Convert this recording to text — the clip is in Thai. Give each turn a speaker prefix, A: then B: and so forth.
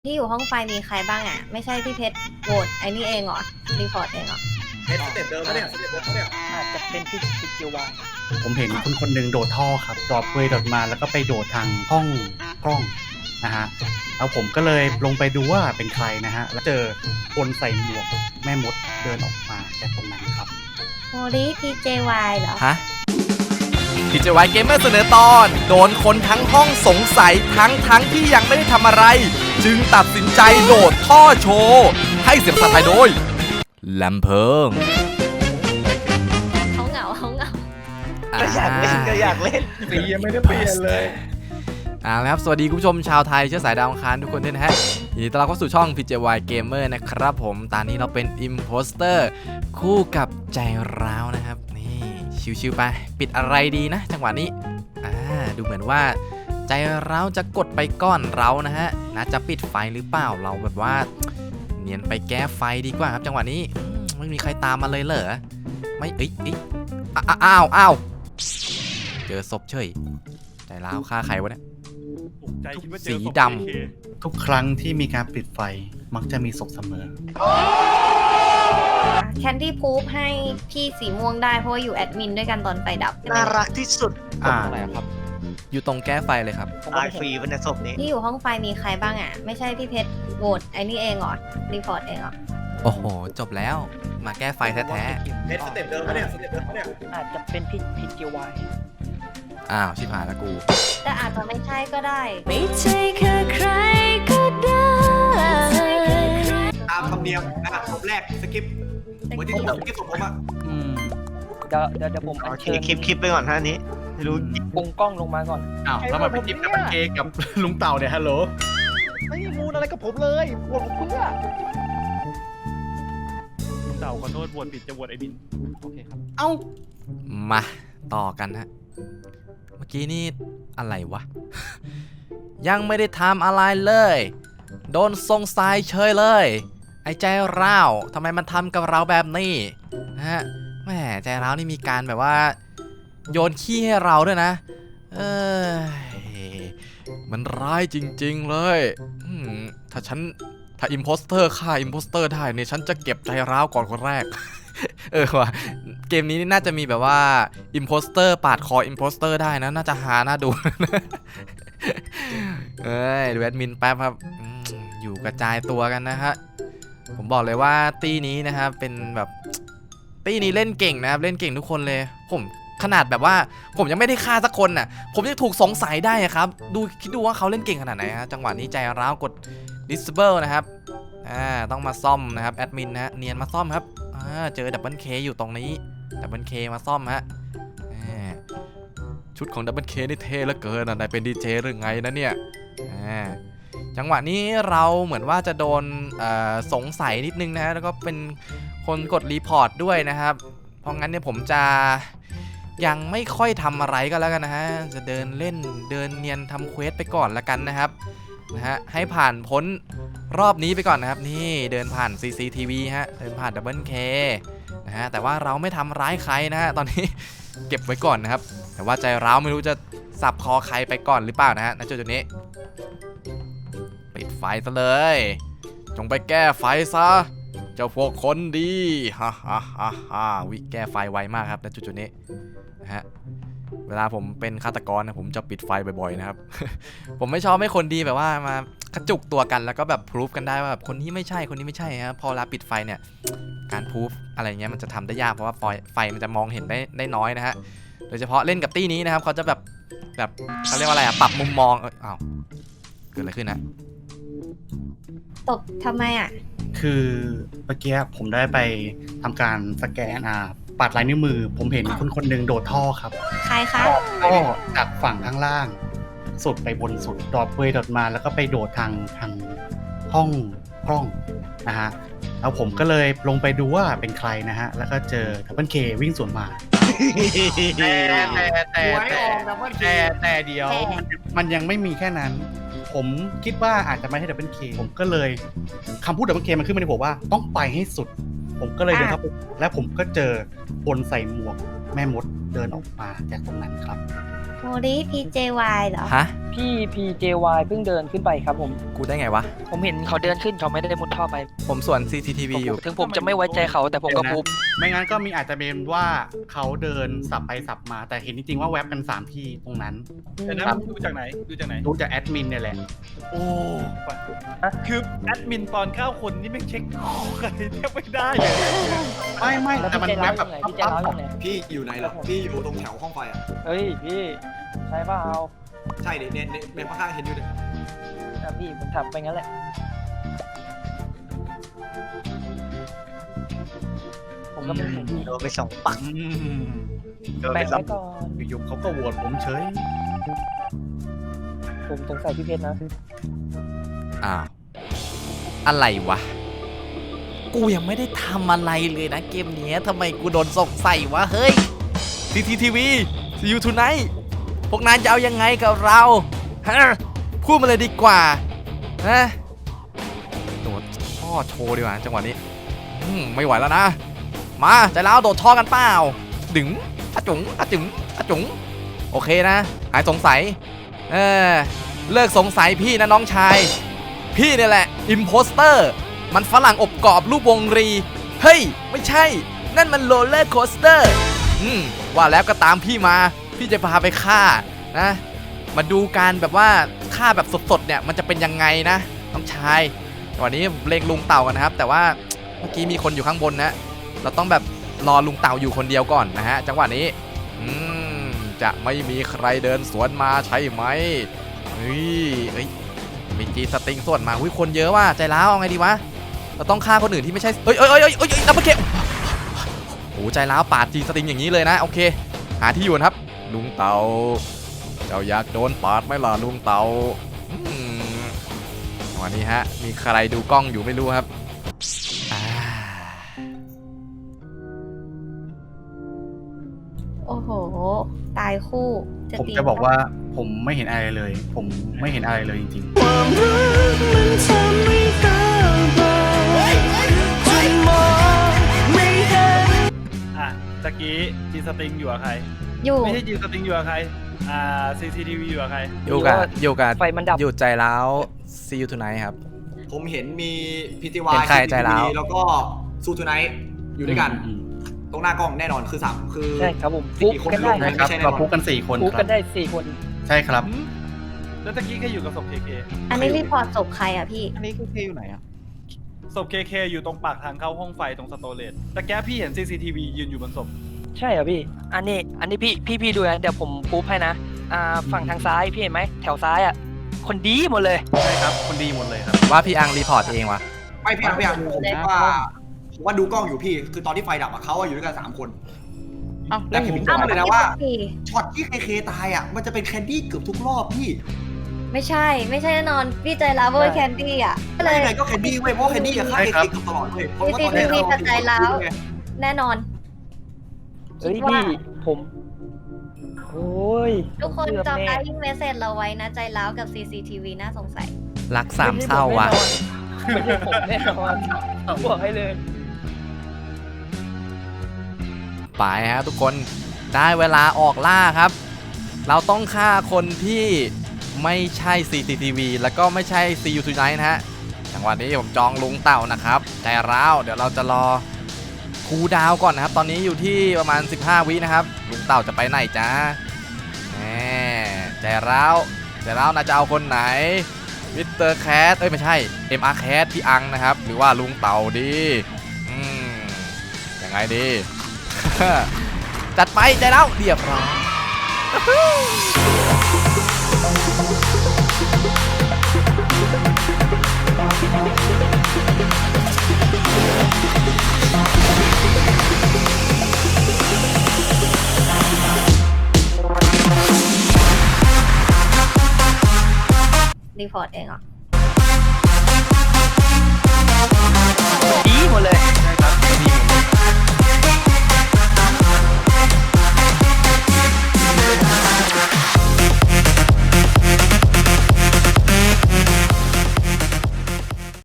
A: ที่อยู่ห้องไฟมีใครบ้างอ่ะไม่ใช่พี่เพชรโหวตไอ้นี่เองเหรอรีพอร์ตเองเหรอ
B: เพชรสเต็ปเดิมปะเนี่ยสเต็ปเดิมปะเนี่ย
C: อาจจะเป็นพี่เกียววาย
D: ผมเห็นคนคนหนึ่งโดดท่อครับดรอปเวยโดดมาแล้วก็ไปโดดทางห้องกล้องนะฮะแล้วผมก็เลยลงไปดูว่าเป็นใครนะฮะแล้วเจอคนใส่หมวกแม่มดเดินออกมาจากตรงนั้นครับ
A: โมริพีเจวายเหรอ
E: ฮะพีเจวายเกมเมอร์เสนอตอนโดนคนทั้งห้องสงสัยทั้งที่ยังไม่ได้ทำอะไรจึงตัดสินใจโดดท่อโชว์ให้เสียงภาษาไทยโดยลำเพิง
A: เขาเหงา
C: ก็อยากเล่น
B: สียังไม่ได้เปลี่ยนเลย
E: ครับสวัสดีคุณผู้ชมชาวไทยเชื้อสายดาวอังคารทุกคนด้วยนะฮะยินดีต้อนรับเข้าสู่ช่อง PJY Gamer นะครับผมตอนนี้เราเป็น Imposter คู่กับใจร้าวนะครับนี่ชิวๆไปปิดอะไรดีนะจังหวะนี้ดูเหมือนว่าใจร้าวจะกดไปก้อนเรานะฮะน่าจะปิดไฟหรือเปล่าเราแบบว่าเนียนไปแก้ไฟดีกว่าครับจังหวะนี้ไม่มีใครตามมาเลยเหรอไม่อ้าวเจอศพเฉยใจร้าวฆ่าใครวะเนี่ยสีดำ
D: ทุกครั้งที่มีการปิดไฟมักจะมีศพเสมอ
A: แคนดี้พูฟให้พี่สีม่วงได้เพราะว่าอยู่แอดมินด้วยกันตอนไฟดับ
C: น่ารักที่สุด
E: อะไรครับอยู่ตรงแก้ไฟเลยครับ
C: ตายฟรีวันในศพนี้
A: ที่อยู่ห้องไฟมีใครบ้างอ่ะไม่ใช่พี่เพชรโหวตไอ้นี่เองเหรอรีพอร์ตเองเหรอ
E: โอ้โหจบแล้วมาแก้ไฟแท้
B: เพชรสเต็ปเดิมปะเนี่ยสเต็ปเดิมปะเนี่ย
C: อาจจะเป็นพี่เกียววาย
E: ชิบหายแล้วกู
A: แต่อาจจะไม่ใช่ก็ได้
F: ไม่ใช่แค่ใครก็ได้
B: ตามธรรมเนียมนะครับผมแรกสกิปเหมือนที่ผมสกิปของผมอ่ะ
C: เดี๋ยวผมอัญเชิญคลิปไปก่อนท่านี้ไม่รู้ปุงกล้องลงมาก่อน
D: แล้วมาเป็นคลิปกับมันเคกับลุงเต่าเนี่ยฮัลโหล
C: ไม่มูนอะไรกับผมเลยบวชเพื่อ
D: ลุงเต่าขอโทษบวชผิดจะบวชไอ้บิน
C: โอเคครับ
E: มาต่อกันฮะเมื่อกี้นี่อะไรวะ ยังไม่ได้ทำอะไรเลยโดนทรงสายเฉยเลยไอ้ใจร้าวทำไมมันทำกับเราแบบนี้นะฮะแหมใจร้าวนี่มีการแบบว่าโยนขี้ให้เราด้วยนะมันร้ายจริงๆเลยถ้าอิมโพสเตอร์ฆ่าอิมโพสเตอร์ได้เนี่ยฉันจะเก็บใจร้าวก่อนคนแรกว่ะเกมนี้น่าจะมีแบบว่าอิมโพสเตอร์ปาดคออิมโพสเตอร์ได้นะน่าจะหาน่าดูดูแอดมินแป๊บครับอยู่กระจายตัวกันนะฮะผมบอกเลยว่าตีนี้นะครับเป็นแบบตีนี้เล่นเก่งนะครับเล่นเก่งทุกคนเลยผมขนาดแบบว่าผมยังไม่ได้ฆ่าสักคนน่ะผมยังถูกสงสัยได้ครับคิดดูว่าเขาเล่นเก่งขนาดไหนฮะจังหวะนี้ใจร้าวกด disable นะครับต้องมาซ่อมนะครับแอดมินนะเนียนมาซ่อมครับเจอดับเบิลเคอยู่ตรงนี้ดับเบิลเคมาซ่อมฮะชุดของดับเบิลเคนี่เท่เหลือเกินนายเป็นดีเจหรือไงนะเนี่ยจังหวะนี้เราเหมือนว่าจะโดนสงสัยนิดนึงนะแล้วก็เป็นคนกดรีพอร์ตด้วยนะครับเพราะงั้นเนี่ยผมจะยังไม่ค่อยทำอะไรก็แล้วกันนะฮะจะเดินเล่นเดินเนียนทำเควสไปก่อนละกันนะครับให้ผ่านพ้นรอบนี้ไปก่อนนะครับนี่เดินผ่าน CCTV ฮะเดินผ่าน Double K นะฮะแต่ว่าเราไม่ทำร้ายใครนะฮะตอนนี้เก็บไว้ก่อนนะครับแต่ว่าใจร้าวไม่รู้จะสับคอใครไปก่อนหรือเปล่านะฮะณจุดนี้ปิดไฟซะเลยจงไปแก้ไฟซะเจ้าพวกคนดีวิแก้ไฟไวมากครับณจุดนี้นะฮะเวลาผมเป็นฆาตกรนะผมจะปิดไฟบ่อยๆนะครับ ผมไม่ชอบให้คนดีแบบว่ามากระจุกตัวกันแล้วก็แบบพิสูจกันได้ว่าแบบคนนี้ไม่ใช่ครับพอเวลาปิดไฟเนี่ยการพิสูจอะไรเงี้ยมันจะทำได้ยากเพราะว่าไฟมันจะมองเห็นได้น้อยนะฮะโดยเฉพาะเล่นกับตี้นี้นะครับเขาจะแบบเขาเรียกว่าอะไรปรับมุมมองเกิดอะไรขึ้นนะ
A: ตบทำไม
D: คือเมื่อกี้ผมได้ไปทำการสแกนปัดลายนิ้วมือผมเห็นคนหนึ่งโดดท่อครับ
A: ใครคะ
D: ก็จากฝั่งข้างล่างสุดไปบนสุดดรอปเวยโดดมาแล้วก็ไปโดดทางห้องกล้องนะฮะแล้วผมก็เลยลงไปดูว่าเป็นใครนะฮะแล้วก็เจอดับเบิลเควิ่งสวนมาแต่เดียวมันยังไม่มีแค่นั้นผมคิดว่าอาจจะไม่ใช่ดับเบิลเคผมก็เลยคำพูดดับเบิลเคมันขึ้นมาในหัวว่าต้องไปให้สุดผมก็เลยเดินเข้าไปและผมก็เจอคนใส่หมวกแม่มดเดินออกมาจากตรงนั้นครับ
A: โมริ PJY เหรอ
E: ฮะ
C: พี่ PJY เพิ่งเดินขึ้นไปครับผม
E: กูได้ไงวะ
C: ผมเห็นเขาเดินขึ้นเขาไม่ได้มุดท่อไป
E: ผมส่วน CCTV อยู่
C: ถึงผมจะไม่ไว้ใจเขาแต่ผมก็พูด
D: ไม่งั้นก็มีอาจจะเป็นว่าเขาเดินสับไปสับมา แต่เห็นจริงๆว่าแว็บกัน3ที่ตรงนั้น
G: แต่นั้นดูจากไหนดูจากไหน
D: ดูจากแอดมินเนี่ยแหละ
G: โอ้คือแอดมินตอนเข้าคนนี่ไม่เช็คใครแทบไม่ได้เลย
D: ไม่
C: แล้ว
D: แต่มัน
C: พี่ใจ
D: แว็
C: ร้า
D: บ
C: ว
D: แบบ
C: ยังไงพี่ใจร้าวยังไง
B: พี่อยู่ไหนล่ะพี่อยู่ตรงแถวห้องไฟอ่ะ
C: เฮ้ยพี่ใช่เปล่า
B: ใช่ดิเนี่ยข้างๆเห็นอยู่ดิ
C: พี่ผมถับไปงั้นแหละผมก็เป็นผมพี่
H: โดนไปสองปัก
D: อืม
H: โดน
C: แบ่
H: ไป
C: ง
H: สอ
C: ไว้
H: ง
C: ก่อน
D: อยู่ๆเขาก็โหวตผมเฉย
C: ผมสงสัยพี่เพชรนะ
E: อ้าว อะไรวะ กูยังไม่ได้ทำอะไรเลยนะเกมเนี้ยทำไมกูโดนสงสัยวะ เฮ้ย CCTV See you tonight พวกนายจะเอายังไงกับเราฮะพูดมาเลยดีกว่าฮะโดดท่อโชว์ดีกว่าจังหวะนี้ไม่ไหวแล้วนะ มาใจแล้วโดดท่อกันเปล่าดึงอะจุ๋งอะจุ๋งอะจุ๋งโอเคนะ หายสงสัยเลิกสงสัยพี่นะน้องชาย พี่เนี่ยแหละอิมโพสเตอร์มันฝรั่งอบกรอบรูปวงรี เฮ้ย ไม่ใช่ นั่นมันโรลเลอร์โคสเตอร์ว่าแล้วก็ตามพี่มา พี่จะพาไปฆ่านะ มาดูการแบบว่าฆ่าแบบสดๆเนี่ยมันจะเป็นยังไงนะน้องชายวันนี้เล็งลุงเต่ากันนะครับ แต่ว่าเมื่อกี้มีคนอยู่ข้างบนนะ เราต้องแบบรอลุงเต่าอยู่คนเดียวก่อนนะฮะจังหวะนี้จะไม่มีใครเดินสวนมาใช่ไหมเฮ้ยมีจีสติงส่วนมาคนเยอะว่ะใจร้าวเอาไงดีวะเราต้องฆ่าคนอื่นที่ไม่ใช่เอ้ยดับเบิลเคโอ้ใจร้าวปาดจีสติงอย่างนี้เลยนะโอเคหาที่อยู่นะครับลุงเต่าเจ้าอยากโดนปาดไหมล่ะลุงเต่าวันนี้ฮะมีใครดูกล้องอยู่ไม่รู้ครับ
A: โอ้โห ตายคู่
D: ผมจะบอกว่าผมไม่เห็นอะไรเลย ผมไม่เห็นอะไรเลยจริง
F: ความรักมันทำให้ตาบอดจนมองไม่เห็น
G: อ่ะตะกี้จีสติงอยู่กับใคร
A: อยู่
G: ไม่ใช่จีสติงอยู่กับใครCCTV อยู่กับใคร
E: อยู่กับ
C: ไฟมันดับ
E: อยู่ใจร้าว See you tonight ครับ
B: ผมเห็นมี
E: เห็
B: PTY
E: นใครใจร้าว
B: แล้วก็ซูทูไนท์อยู่ด้วยกัน ตรงหน้ากล้องแน่นอนคือ3คือ
C: ใช่ครับผม
B: สี่
C: ฟุก
B: คน
C: กันได้
B: ลง
D: ๆนะครับเราพูดกัน4 คน
C: ฟุก
D: ค
C: กั
D: รับ
C: นได้4 คน
D: ใช่ครับ
G: แล้วตะกี้แค่อยู่กับศพ KK
A: อันนี้รีพอร์ตศพใครอ่ะพี่
H: อันนี้คือเคอยู่ไหนอ่ะ
G: ศพ KK อยู่ตรงปากทางเข้าห้องไฟตรงสโตเรจตะแกพี่เห็น CCTV ยืนอยู่บนศพ
C: ใช่เหรอพี่ อันนี้พี่ดูนะเดี๋ยวผมปุ๊บให้นะฝั่งทางซ้ายพี่เห็นไหมแถวซ้ายอ่ะคนดีหมดเลย
D: ใช่ครับคนดีหมดเลยครับ
E: ว่าพี่อังรีพอร์ตเองวะ
B: ไม่พี่อังผมว่าดูกล้องอยู่พี่คือตอนที่ไฟดับเขาอยู่ด้วยกัน3 คนแต่ผมจำเลยนะว่าช็อตที่ KK ตายอ่ะมันจะเป็นแคนดี้เกือบทุกรอบพี่
A: ไม่ใช่แน่นอนพี่ใจร้าวเวอร์แคนดี้อ่ะก็เลย
B: ยังไงก็แคนดี้เว้ยเพราะแคนดี้กับฆ่า KK เกือบตลอดเลยเพราะว่าตอนนี้
A: CCTV กับใจร้าว แน่นอน
C: เฮ้ย
A: คิดว่า
C: พี่ผมโอ้ย
A: ทุกคน
C: เกือบ
A: จำ
C: แน่
A: ได้ยิ่งเมสเซจเราไว้นะใจร้าวกับ CCTV น่าสงสัย
E: รักสามเศร้าวะ
C: ไม่ใช่ผมแน่นอนบอกให้เลย
E: ไปฮะทุกคนได้เวลาออกล่าครับ เราต้องฆ่าคนที่ไม่ใช่ CCTV แล้วก็ไม่ใช่ See you tonight นะฮะจังหวะนี้ผมจองลุงเต่านะครับใจร้าวเดี๋ยวเราจะรอคูลดาวน์ก่อนนะครับ ตอนนี้อยู่ที่ประมาณ15 วินะครับลุงเต่าจะไปไหนจ้าใจร้าวนะจะเอาคนไหนมิสเตอร์แคทไม่ใช่ MR แคทพี่อังนะครับหรือว่าลุงเต่าดียังไงดี จัดไปใจแล้วเรียบร้อย
A: รีพอร์ตเองเหรอ
C: ดีหมดเลย